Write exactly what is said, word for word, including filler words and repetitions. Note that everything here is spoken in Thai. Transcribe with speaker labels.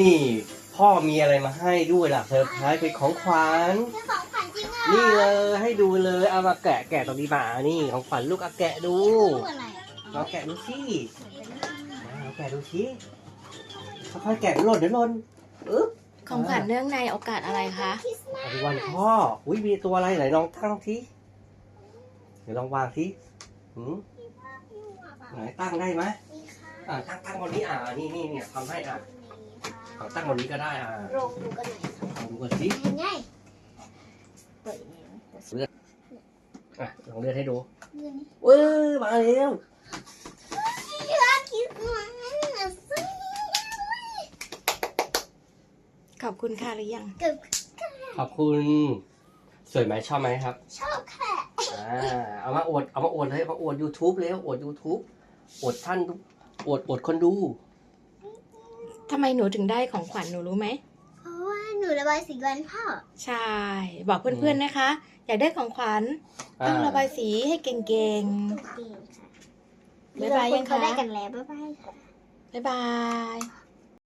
Speaker 1: นี่พ่อมีอะไรมาให้ด้วยล่ะเซอร์ไพรส์เป็นของขวัญ
Speaker 2: เป็นของขวัญจริงเหรอ
Speaker 1: นี่เลยให้ดูเลยเอามาแกะแกะตรงนี้มานี่ของขวัญลูกเอาแกะดู
Speaker 2: รูปอะไรอ่ะ
Speaker 1: เราแกะดูสิเราแกะดูสิค่อยๆแกะหล่นเดี๋ยวหล่นอึ๊บ
Speaker 3: ของขวัญเนื่องในโอกาสอะไรคะ
Speaker 2: คริสต์มาส
Speaker 1: วันพ่ออุ้ยมีตัวอะไรไหนลองตั้งทีเดี๋ยวลองวางทีหืมไหนตั้งได้ไหม
Speaker 2: มีค่ะ
Speaker 1: อ่าตั้งตั้งบนนี้อ่านี่นี่เนี่ยทำให้อ่ะเอาตั้งบนนี้ก็ได้อ่า
Speaker 2: ลองดูกันหน่อยค่ะ
Speaker 1: ลองดูกันสิ
Speaker 2: ง่ายๆเปิดเอง
Speaker 1: อ่ะลองเลื่อนให้ดู
Speaker 2: เรื่องนี้
Speaker 1: เว้ยมาแล้ว
Speaker 2: รักคริสต์มาสสิ
Speaker 3: ขอบคุณค่ะหรือยัง
Speaker 2: เกือบ
Speaker 1: ขอบคุณสวยไหมชอบไหมครับ
Speaker 2: ชอบค่ะ
Speaker 1: อ่าเอามาอวดเอามาอวดเลยเอามาอวด YouTube เลยอวด YouTube อวดท่านอวดอวดคนดู
Speaker 3: ทำไมหนูถึงได้ของขวัญหนูรู้ไหม
Speaker 2: เพราะว่าหนูระบายสีวันพ่อ
Speaker 3: ใช่ บอกเพื่อนๆนะคะ อยากได้ของขวัญต้องระบายสีให้เก่ง
Speaker 2: เก่งค่ะ
Speaker 3: บ๊ายบายยังคะ
Speaker 2: เขาได้กันแล้วบ๊ายบายค่ะ
Speaker 3: ๆ บ๊ายบาย